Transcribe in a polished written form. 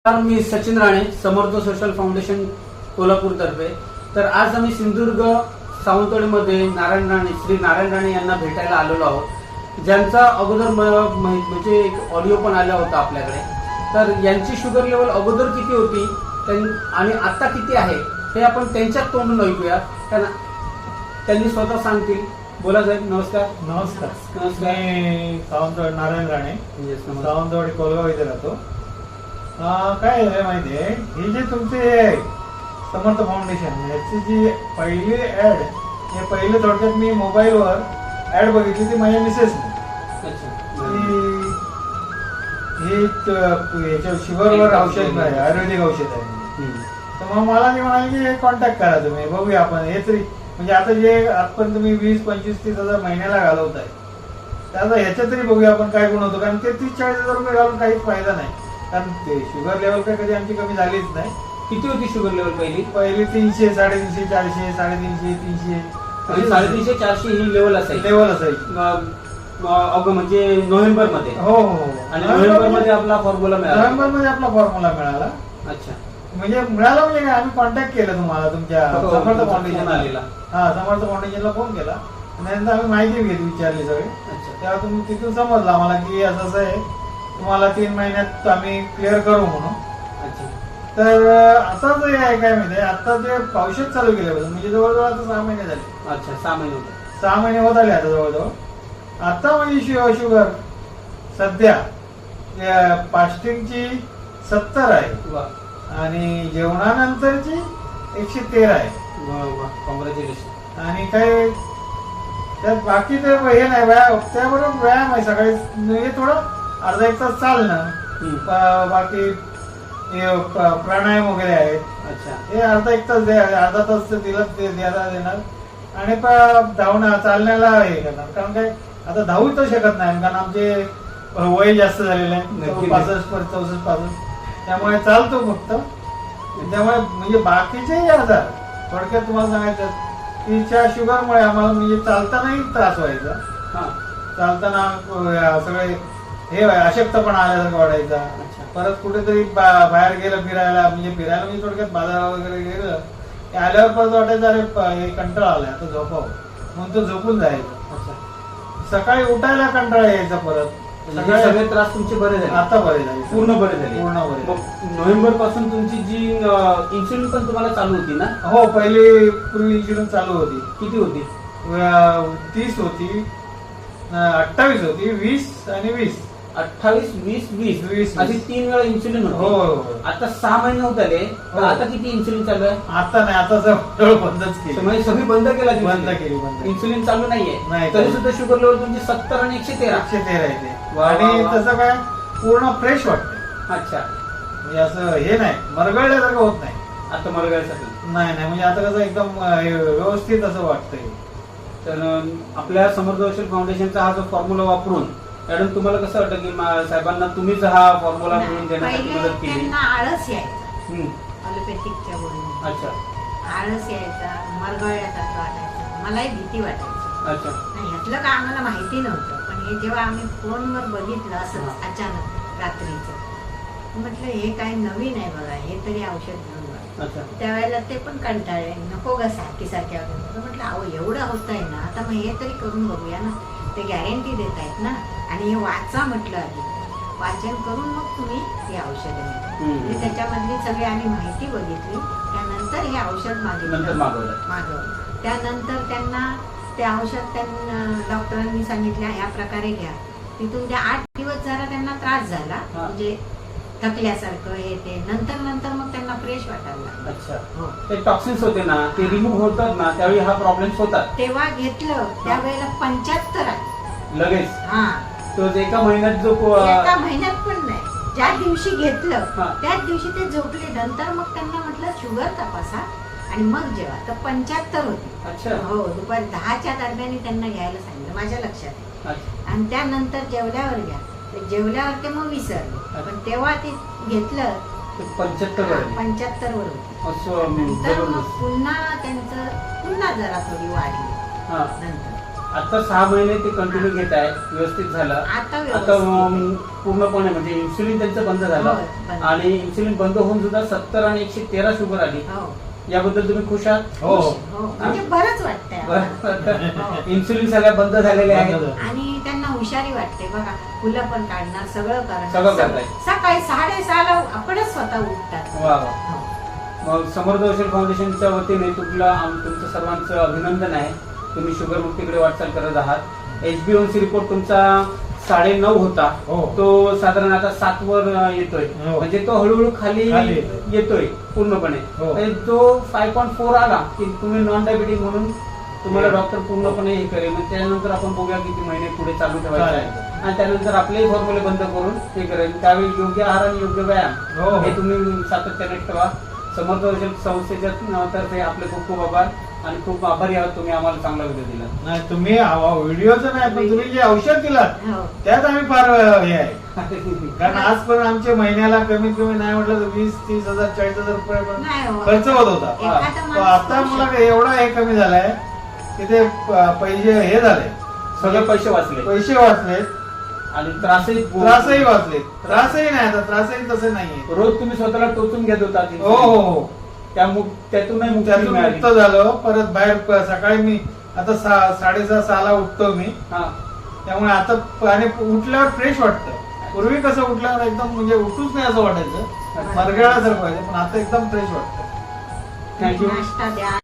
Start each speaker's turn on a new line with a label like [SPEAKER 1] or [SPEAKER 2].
[SPEAKER 1] मी Sachin Rane, Samarth social foundation Kolhapur तर्फे. तर आज आम्ही सिंधुदुर्ग सावंतवाडीमध्ये श्री नारायण राणे यांना भेटायला आलेलो आहोत, ज्यांचा अगोदर म्हणजे एक ऑडिओ पण आला होता आपल्याकडे. तर यांची शुगर लेवल अगोदर किती होती आणि आता किती आहे हे आपण त्यांच्या तोंडून ऐकूया. त्यांनी स्वतः सांगतील. बोला साहेब. नमस्कार.
[SPEAKER 2] नमस्कार.
[SPEAKER 1] नमस्कार.
[SPEAKER 2] मी सावंतवाडी नारायण राणे, सावंतवाडी कोलगाव इथे राहतो. काय आहे माहितीये, ही जी तुमची समर्थ फाउंडेशन याची जी पहिली ऍड, हे पहिले थोडक्यात मी मोबाईलवर ऍड बघितली ती माझ्या मिसेसने. ही याच्या शुगरवर औषध आहे, आयुर्वेदिक औषध आहे. तर मग मला ती म्हणाली की हे कॉन्टॅक्ट करा तुम्ही, बघूया आपण. हे तरी म्हणजे आता जे आपण तुम्ही 20-25-30 हजार महिन्याला घालवताय, त्याचा ह्याच्यात तरी बघूया आपण काय गुण होतो. कारण ते 30-40 हजार रुपये घालून काहीच फायदा नाही. कारण ते शुगर लेवल काय कधी आमची कमी झालीच नाही.
[SPEAKER 1] किती होती शुगर लेवल पहिली?
[SPEAKER 2] 300, 350, 400, 350, 300,
[SPEAKER 1] 350-400 ही लेवल
[SPEAKER 2] असायची.
[SPEAKER 1] म्हणजे नोव्हेंबर मध्ये.
[SPEAKER 2] हो हो.
[SPEAKER 1] आणि नोव्हेंबर मध्ये आपला फॉर्म्युला मिळाला.
[SPEAKER 2] मिळाला.
[SPEAKER 1] अच्छा.
[SPEAKER 2] म्हणजे मिळाला म्हणजे काय, आम्ही कॉन्टॅक्ट केलं तुम्हाला तुमच्या समर्थ फाउंडेशन आलेला. समर्थ फाउंडेशनला फोन केला आणि नंतर आम्ही माहिती घेतली, विचारली सगळे. तेव्हा तुम्ही तिथून समजलं आम्हाला की असं आहे, तुम्हाला 3 महिन्यात आम्ही क्लिअर करू म्हणून. तर आता जे आहे काय माहिती, आता जे औषध चालू केलं म्हणजे जवळजवळ आता 6 महिने झाले.
[SPEAKER 1] अच्छा. 6 महिने होते.
[SPEAKER 2] 6 महिने होत आले आता जवळजवळ. आता म्हणजे शुगर सध्या फास्टिंगची 70 आहे आणि जेवणानंतरची 113 आहे.
[SPEAKER 1] कॉंग्रॅच्युलेशन.
[SPEAKER 2] आणि काय त्यात बाकी ते हे नाही, व्यायाम त्याबरोबर व्यायाम आहे. सकाळी हे थोडं अर्धा 1 तास चालणं, बाकी प्राणायाम वगैरे आहेत.
[SPEAKER 1] अच्छा.
[SPEAKER 2] हे अर्धा 1 तास अर्धा तास तिला द्यायला देणार आणि धावणं चालण्याला हे करणार. कारण काय आता धावू तर शकत नाही, कारण आमचे वय जास्त झालेलं आहे, 65-64-65. त्यामुळे चालतो फक्त. त्यामुळे म्हणजे बाकीचेही आजार थोडक्यात तुम्हाला सांगायचं, तिच्या शुगरमुळे आम्हाला म्हणजे चालतानाही त्रास व्हायचा. चालताना सगळे हे अशक्तपणा आल्यासारखं वाटायचा. परत कुठेतरी बाहेर गेलं फिरायला म्हणजे थोडक्यात बाजारात वगैरे गेलं, आल्यावर परत वाटायचं अरे कंटाळा आलाय, आता झोपावं म्हणून तो झोपून जायचं. सकाळी उठायला कंटाळा यायचा. परत
[SPEAKER 1] सगळे त्रास तुमचे बरे झाले?
[SPEAKER 2] आता बरे झाले,
[SPEAKER 1] पूर्ण बरे झाले. नोव्हेंबर पासून तुमची जी इन्सुलिन पण तुम्हाला चालू होती ना?
[SPEAKER 2] हो, पूर्वी इन्शुरन्स चालू होती.
[SPEAKER 1] किती होती?
[SPEAKER 2] 30 होती, 28 होती, 20 आणि 20.
[SPEAKER 1] 28, 20 अशी 3 वेळा इन्सुलिन होती.
[SPEAKER 2] हो.
[SPEAKER 1] आता 6 महिने होत आले. आता किती इन्सुलिन चालू आहे?
[SPEAKER 2] आता नाही, आता सगळं बंदच केलं.
[SPEAKER 1] म्हणजे सगळी बंद केला.
[SPEAKER 2] बंद केली.
[SPEAKER 1] इन्सुलिन चालू नाहीये.
[SPEAKER 2] नाही,
[SPEAKER 1] तरी सुद्धा शुगर लेवल तुमची 70 आणि 113
[SPEAKER 2] येते. आणि तसं काय पूर्ण फ्रेश वाटतं.
[SPEAKER 1] अच्छा.
[SPEAKER 2] म्हणजे असं हे नाही, मरगळल्यासारखं होत नाही.
[SPEAKER 1] आता मरगळल्यासारखं
[SPEAKER 2] नाही. म्हणजे आता कसं एकदम व्यवस्थित असं वाटतंय.
[SPEAKER 1] तर आपल्या समर्थ सोशल फाउंडेशनचा हा जो फॉर्म्युला वापरून मॅडम तुम्हाला कसं वाटतं की साहेबांना तुम्हीच हा फॉर्म्युला मिळून देण्यासाठी मदत केली?
[SPEAKER 3] आळस यायचा अलोपॅथिकच्या बोलून.
[SPEAKER 1] अच्छा.
[SPEAKER 3] आळस यायचा, मरगळल्यासारखं वाटायचं, मलाही भीती वाटायची.
[SPEAKER 1] अच्छा.
[SPEAKER 3] ह्यातलं काय आम्हाला माहिती नव्हतं, पण हे जेव्हा आम्ही फोनवर बघितलं असं अचानक रात्रीचं, म्हटलं हे काय नवीन आहे बघा, हे तरी औषध घेऊन बघा. त्यावेळेला ते पण कंटाळले, नको ग सारखी म्हटलं अहो एवढं होत आहे ना, आता मग हे तरी करून बघूया ना, ते गॅरंटी देत आहेत ना. आणि हे वाचा म्हटलं, आधी वाचन करून मग तुम्ही हे औषध म्हणजे त्याच्यामधली सगळी आम्ही माहिती बघितली. त्यानंतर हे औषध मागवलं. त्यानंतर त्यांना ते औषध डॉक्टरांनी सांगितलं ह्या प्रकारे घ्या. तिथून त्या 8 दिवस जरा त्यांना त्रास झाला, म्हणजे थकल्यासारखं हे ते. नंतर मग त्यांना फ्रेश वाटायला लागलं.
[SPEAKER 1] अच्छा. ते टॉक्सिन्स होते ना, ते रिमूव्ह होतात ना, त्यावेळी हा प्रॉब्लेम होतात.
[SPEAKER 3] तेव्हा घेतलं त्यावेळेला 75 आहे
[SPEAKER 1] लगेच.
[SPEAKER 3] हा.
[SPEAKER 1] तो एका महिन्यात जो
[SPEAKER 3] एका महिन्यात पण नाही, ज्या दिवशी घेतलं त्याच दिवशी ते झोपले. नंतर मग त्यांना म्हटलं शुगर तपासा आणि मग जेव्हा, तर 75 होती.
[SPEAKER 1] अच्छा.
[SPEAKER 3] हो, दुपारी 10च्या दरम्यान त्यांना घ्यायला सांगितलं, माझ्या लक्षात आहे. आणि त्यानंतर जेवल्यावर घ्या. जेवल्यावर ते मग विसरले, पण तेव्हा ते घेतलं
[SPEAKER 1] 75
[SPEAKER 3] वर होती. नंतर मग पुन्हा त्यांचं जरा थोडी वाढली. नंतर
[SPEAKER 1] आता 6 महिने ते कंटिन्यू घेत आहे, व्यवस्थित झालं.
[SPEAKER 3] आता
[SPEAKER 1] आता
[SPEAKER 3] व्यवस्थित.
[SPEAKER 1] पूर्णपणे म्हणजे इन्सुलिन त्यांचं बंद झालं
[SPEAKER 3] होय, बंद.
[SPEAKER 1] आणि इन्सुलिन बंद होऊन सुद्धा 70 आणि 113 शुगर आली.
[SPEAKER 3] हो.
[SPEAKER 1] याबद्दल तुम्ही खुश आहात?
[SPEAKER 2] हो
[SPEAKER 3] हो, म्हणजे बरंच वाटतंय आम्हाला. हो.
[SPEAKER 1] इन्सुलिन सगळ्या बंद झालेले आहेत.
[SPEAKER 2] बंद झालं.
[SPEAKER 3] आणि त्यांना हुशारी वाटते बघा, फुलं पण काढणार, सगळं
[SPEAKER 1] सगळं
[SPEAKER 3] करणार.
[SPEAKER 1] करताय.
[SPEAKER 3] सकाळी 6:30ला आपणच स्वतः उठतात.
[SPEAKER 1] वा वा.
[SPEAKER 3] हो.
[SPEAKER 1] मग समर्थ सोशल फाउंडेशनच्या वतीने तुमचं सर्वांचं अभिनंदन आहे. तुम्ही शुगर मुक्तीकडे वाटचाल करत आहात. HbA1c रिपोर्ट तुमचा 9.5 होता,
[SPEAKER 2] हो.
[SPEAKER 1] तो साधारण आता 7 वर येतोय.
[SPEAKER 2] हो.
[SPEAKER 1] म्हणजे तो हळूहळू खाली
[SPEAKER 2] खाली
[SPEAKER 1] येतोय पूर्णपणे.
[SPEAKER 2] हो.
[SPEAKER 1] म्हणजे तो 5.4 आला की तुम्ही नॉन डायबेटिक म्हणून तुम्हाला डॉक्टर पूर्णपणे हे करेल. मग त्यानंतर आपण बघूया किती महिने पुढे चालू ठेवायचे आहे
[SPEAKER 2] चालेल.
[SPEAKER 1] आणि त्यानंतर आपलेही फॉर्म्युले बंद करून हे करेल. त्यावेळी योग्य आहार आणि योग्य व्यायाम
[SPEAKER 2] हो.
[SPEAKER 1] हे तुम्ही सातत्याने ठेवा. समर्थ सोशल संस्थेच्या तर्फे आपले खूप खूप आभार आणि खूप आभारी आहात. तुम्ही आम्हाला चांगला व्हिडिओ दिला.
[SPEAKER 2] नाही तुम्ही व्हिडिओचं नाही पण तुम्ही जे औषध दिलात
[SPEAKER 3] हो.
[SPEAKER 2] त्यात आम्ही फार हे आहे. कारण आज पण आमच्या महिन्याला कमीत कमी नाही म्हटलं तर 20-30 हजार 40,000 रुपये पण
[SPEAKER 3] नाही हो.
[SPEAKER 2] खर्च होत होता.
[SPEAKER 3] एखादा
[SPEAKER 2] तो
[SPEAKER 3] माणूस
[SPEAKER 2] आता
[SPEAKER 3] करू
[SPEAKER 2] मला
[SPEAKER 3] शकतो.
[SPEAKER 2] एवढा हे कमी झालाय की ते पैसे हे झाले,
[SPEAKER 1] सगळे पैसे वाचले
[SPEAKER 2] पैसे वाचले,
[SPEAKER 1] आणि त्रासही
[SPEAKER 2] त्रासही वाचले. त्रासही नाही आता, त्रासही तसे नाहीये.
[SPEAKER 1] रोज तुम्ही स्वतःला टोचून घेत होता.
[SPEAKER 2] हो हो हो.
[SPEAKER 1] त्यातूनही मुक्ती
[SPEAKER 2] त्यातून
[SPEAKER 1] मिळाली.
[SPEAKER 2] मुक्त झालो. परत बाहेर सकाळी मी आता 6:30-6ला उठतो मी.
[SPEAKER 1] हा.
[SPEAKER 2] त्यामुळे आता आणि उठल्यावर फ्रेश वाटतं. पूर्वी कसं उठल्यावर एकदम म्हणजे उठूच नाही असं वाटायचं, मरगळासारखं व्हायचं, पण आता एकदम फ्रेश वाटतं.
[SPEAKER 1] थँक्यू.
[SPEAKER 3] नाश्ता द्या,